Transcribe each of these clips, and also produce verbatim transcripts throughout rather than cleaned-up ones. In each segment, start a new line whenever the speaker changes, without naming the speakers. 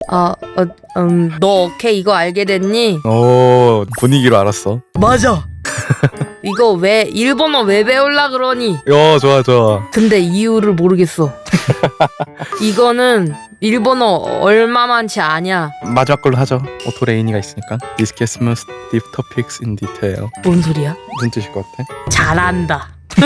아, 어, 음, 너 오케이 이거 알게 됐니?
오, 분위기로 알았어.
맞아. 이거 왜 일본어 왜 배울라 그러니?
야, 좋아 좋아.
근데 이유를 모르겠어. 이거는 일본어 얼마만치 아냐?
마지막 걸로 하죠. 오토 레이니가 있으니까. Discuss most deep topics in detail.
뭔 소리야?
무슨 뜻일 것 같아?
잘한다.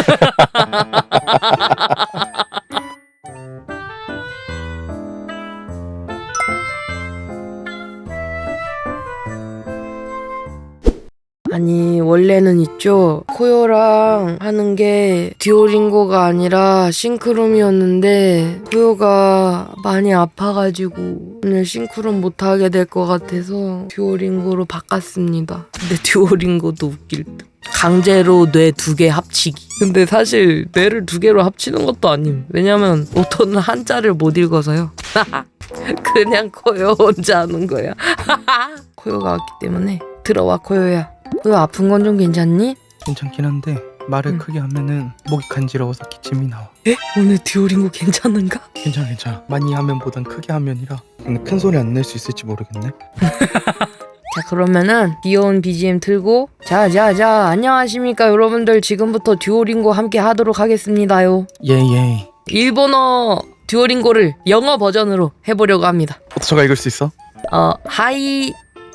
아니 원래는 있죠, 코요랑 하는 게 듀오링고가 아니라 싱크롬이었는데 코요가 많이 아파가지고 오늘 싱크롬 못하게 될 것 같아서 듀오링고로 바꿨습니다. 근데 듀오링고도 웃길 듯. 강제로 뇌 두 개 합치기. 근데 사실 뇌를 두 개로 합치는 것도 아님. 왜냐면 오토는 한자를 못 읽어서요. 그냥 코요 혼자 하는 거야. 코요가 왔기 때문에. 들어와 코요야. 너 아픈 건 좀 괜찮니?
괜찮긴 한데 말을
응.
크게 하면은 목이 간지러워서 기침이 나와.
에? 오늘 듀오링고 괜찮은가?
괜찮아 괜찮아. 많이 하면 보단 크게 하면이라. 근데 큰 소리 안 낼 수 있을지 모르겠네.
자 그러면은 귀여운 비지엠 틀고 자자자 안녕하십니까 여러분들, 지금부터 듀오링고 함께 하도록 하겠습니다요.
예예.
일본어 듀오링고를 영어 버전으로 해보려고 합니다.
오토가 읽을 수 있어?
어 하이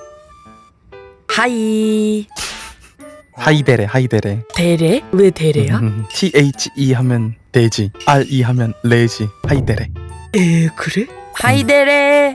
하이
하이데레 하이데레.
데레? 왜 데레야?
음, T H E 하면 돼지, R E 하면 레지. 하이데레.
에 그래? 하이 데레.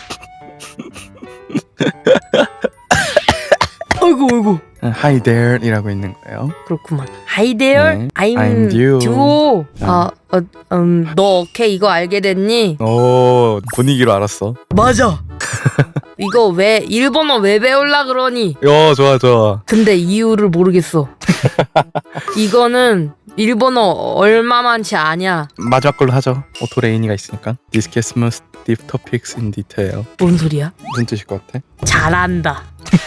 아이고 아이고.
Hi there이라고 있는 거예요.
그렇구만. Hi there.
네.
I'm,
I'm 듀오.
듀오. 아, 어, 음, 너 오케이 이거 알게 됐니?
오, 분위기로 알았어.
맞아. 이거 왜 일본어 왜 배울라 그러니?
야, 좋아 좋아.
근데 이유를 모르겠어. 이거는 일본어 얼마만치 아냐?
마지막 걸로 하죠. 오토 레이니가 있으니까. Discuss most deep topics in detail.
뭔 소리야?
무슨 뜻일 것 같아?
잘한다.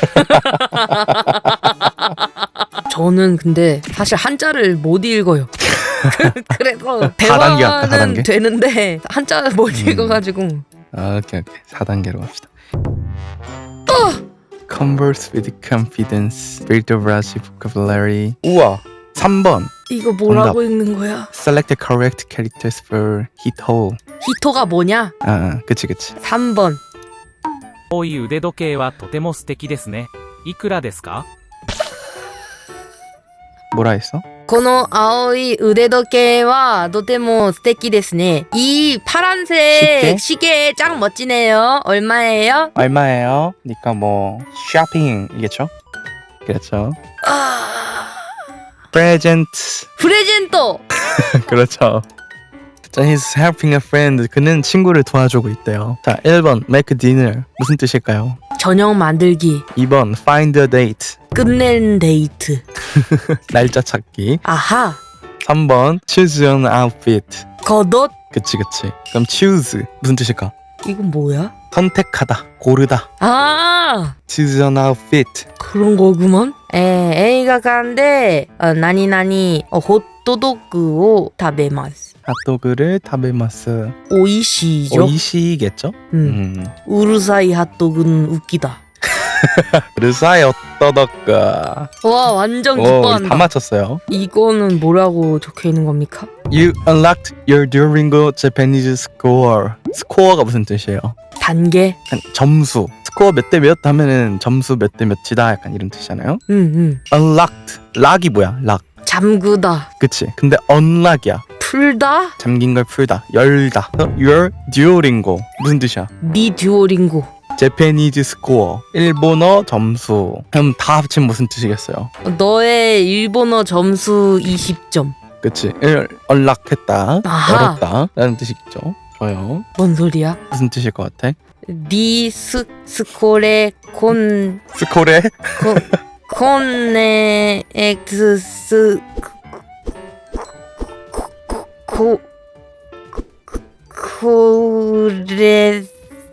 저는 근데 사실 한자를 못 읽어요. 그래서
사 단계 할까, 사
대화는
단계?
되는데 한자를 못
음.
읽어가지고.
아, 오케이 오케이. 사 단계로 갑시다. Converse with confidence. Build a large vocabulary. 우와. 삼 번.
이거 뭐라고
정답.
읽는 거야?
Select the correct characters for hit hole.
히토가 뭐냐?
아, 아, 그치 그치.
삼 번.
青い腕時計はとても素敵ですね。いくらですか？
뭐라 했어?
この青い腕時計はとても素敵ですね. 이 파란색
시계?
시계 짱 멋지네요. 얼마예요?
얼마예요? 그러니까 뭐 쇼핑이겠죠? 그렇죠.
아...
Present.
프레젠토.
그렇죠. 자, he's helping a friend. 그는 친구를 도와주고 있대요. 자, 일 번 make dinner. 무슨 뜻일까요?
저녁 만들기.
이 번 find a date.
끝낸 데이트.
날짜 찾기.
아하.
삼 번 choose an outfit.
겉옷.
그치 그치. 그럼 choose 무슨 뜻일까?
이건 뭐야?
선택하다, 고르다.
아,
choose an outfit.
그런 거구먼. 에,映画館で 어, 나니 나니 어, 핫도그を食べます.
핫도그를 타베마스.
오이시죠?
오이시겠죠?
음.
음.
우르사이 핫도그는 웃기다.
르사이 어떠덕가.
와, 완전
오,
기뻐한다.
다 맞췄어요.
이거는 뭐라고 적혀 있는 겁니까?
You unlocked your Duolingo Japanese score. 스코어가 무슨 뜻이에요?
단계?
한 점수. 스코어 몇 대 몇 하면은 점수 몇 대 몇이다 약간 이런 뜻이잖아요.
응, 응.
unlocked. 락이 뭐야? 락.
잠그다.
그치. 근데 unlock이야.
풀다?
잠긴 걸 풀다. 열다. Your Duolingo. 무슨 뜻이야?
니 듀오링고.
Japanese score. 일본어 점수. 그럼 다 합치면 무슨 뜻이겠어요?
너의 일본어 점수 이십 점.
그치. 일, unlock했다.
아하.
열었다. 라는 뜻이겠죠. 좋아요.
뭔 소리야?
무슨 뜻일 것 같아?
니 스, 스코레 콘
스코레?
코, 콘네 엑스 코 코레세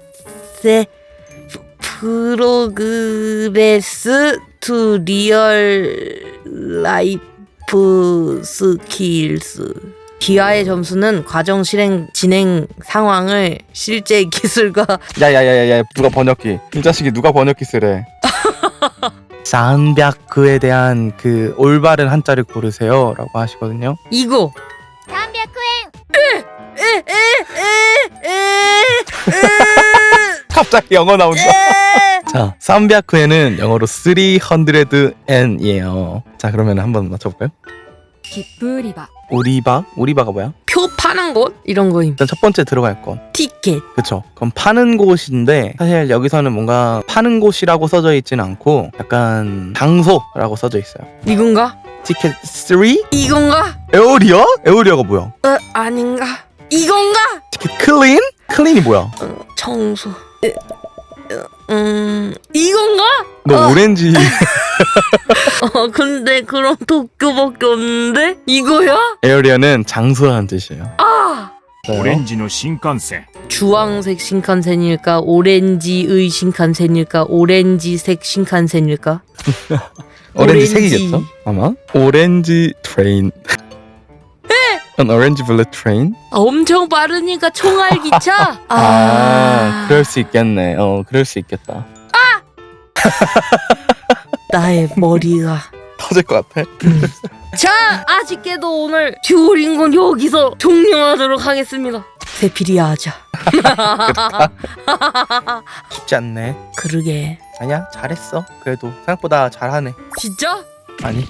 프로그레스 투 리얼 라이프 스킬스. 기하의 점수는 과정 실행 진행 상황을 실제 기술과
야야야야야 누가 번역기 이 자식이 누가 번역기 쓰래. 삼백에 대한 그 올바른 한자를 고르세요 라고 하시거든요.
이거
さんびゃく
갑자기 영어 나온다. 자, 삼백에는 영어로 삼백 엔이에요. 자, 그러면 한번 맞춰볼까요?
切符売り場
오리바? 오리바가 뭐야?
표 파는 곳 이런 거임.
일단 첫 번째 들어갈 건
티켓.
그쵸. 그럼 파는 곳인데 사실 여기서는 뭔가 파는 곳이라고 써져 있지는 않고 약간 장소라고 써져 있어요.
이건가?
티켓 삼?
이건가?
에어리어? 에어리어가 뭐야?
어, 아닌가? 이건가?
티켓 클린? 클린이 뭐야?
어, 청소. 에, 어, 음, 이건가?
너
어.
오렌지
어, 근데 그럼 도쿄밖에 없는데? 이거야?
에어리어는 장소라는 뜻이에요.
아!
オレンジの新幹線
주황색 신칸센일까? 오렌지의 신칸센일까? 오렌지색 신칸센일까?
오렌지
오렌지.
색이겠죠? 아마? 오렌지 트레인. An orange bullet train?
아, 엄청 빠르니까 총알 기차?
아,
아,
그럴 수 있겠네. 어, 그럴 수 있겠다.
나의 머리가.
터질 것 같아.
자, 아쉽게도 오늘 듀오링고는 여기서 종료하도록 하겠습니다. 세피리아 하자.
쉽지 않네.
그러게.
아니야, 잘했어. 그래도 생각보다 잘하네.
진짜?
아니.